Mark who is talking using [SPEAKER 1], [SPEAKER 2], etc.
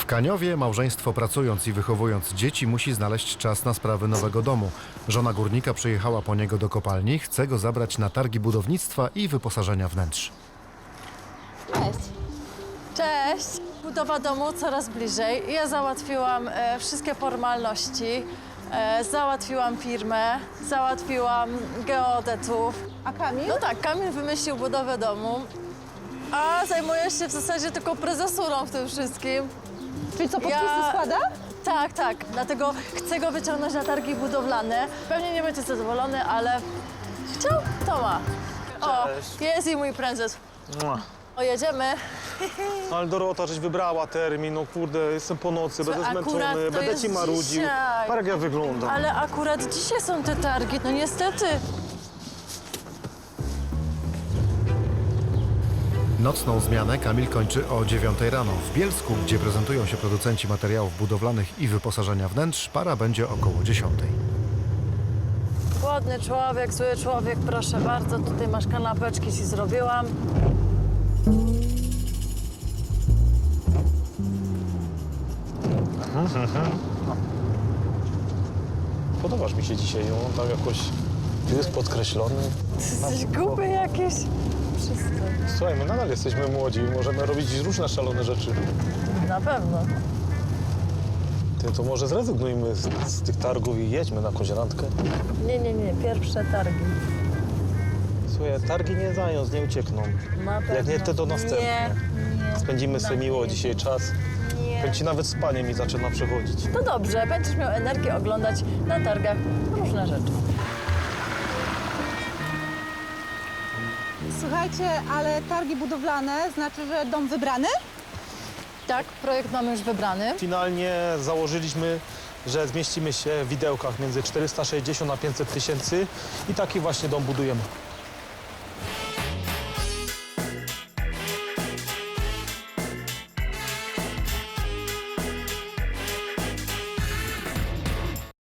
[SPEAKER 1] Kaniowie małżeństwo pracując i wychowując dzieci musi znaleźć czas na sprawy nowego domu. Żona górnika przyjechała po niego do kopalni, chce go zabrać na targi budownictwa i wyposażenia wnętrz.
[SPEAKER 2] Cześć.
[SPEAKER 3] Cześć! Budowa domu coraz bliżej. Ja załatwiłam wszystkie formalności, załatwiłam firmę, załatwiłam geodetów.
[SPEAKER 2] A Kamil?
[SPEAKER 3] No tak, Kamil wymyślił budowę domu, a zajmuję się w zasadzie tylko prezesurą w tym wszystkim.
[SPEAKER 2] Czyli co, podpisy składa?
[SPEAKER 3] Tak, tak. Dlatego chcę go wyciągnąć na targi budowlane. Pewnie nie będzie zadowolony, ale chciał, to ma. O, jest i mój prezes. O, jedziemy.
[SPEAKER 4] Ale Dorota, żeś wybrała termin, no kurde, jestem po nocy, będę
[SPEAKER 3] akurat
[SPEAKER 4] zmęczony,
[SPEAKER 3] to
[SPEAKER 4] będę
[SPEAKER 3] jest
[SPEAKER 4] ci marudził.
[SPEAKER 3] dzisiaj.
[SPEAKER 4] Parek jak wygląda.
[SPEAKER 3] Ale akurat dzisiaj są te targi, no niestety.
[SPEAKER 1] Nocną zmianę Kamil kończy o 9 rano. W Bielsku, gdzie prezentują się producenci materiałów budowlanych i wyposażenia wnętrz, para będzie około 10.
[SPEAKER 3] Głodny człowiek, zły człowiek, proszę bardzo. Tutaj masz kanapeczki, ci zrobiłam.
[SPEAKER 4] Podobasz mi się dzisiaj, no tak jakoś jest podkreślony.
[SPEAKER 3] Jesteś głupi jakiś. Przestań.
[SPEAKER 4] Słuchaj, my nadal jesteśmy młodzi, możemy robić różne szalone rzeczy.
[SPEAKER 3] Na pewno.
[SPEAKER 4] Ty, to może zrezygnujmy z tych targów i jedźmy na jakąś randkę.
[SPEAKER 3] Nie, pierwsze targi.
[SPEAKER 4] Słuchaj, targi nie zając, nie uciekną.
[SPEAKER 3] Na pewno.
[SPEAKER 4] Jak nie te, to następne.
[SPEAKER 3] Nie.
[SPEAKER 4] Spędzimy sobie miło
[SPEAKER 3] nie.
[SPEAKER 4] dzisiaj czas.
[SPEAKER 3] Nie.
[SPEAKER 4] Powiem ci, nawet spanie mi zaczyna przechodzić.
[SPEAKER 3] To dobrze, będziesz miał energię oglądać na targach różne rzeczy.
[SPEAKER 2] Słuchajcie, ale targi budowlane znaczy, że dom wybrany?
[SPEAKER 3] Tak, projekt mamy już wybrany.
[SPEAKER 4] Finalnie założyliśmy, że zmieścimy się w widełkach między 460 a 500 tysięcy i taki właśnie dom budujemy.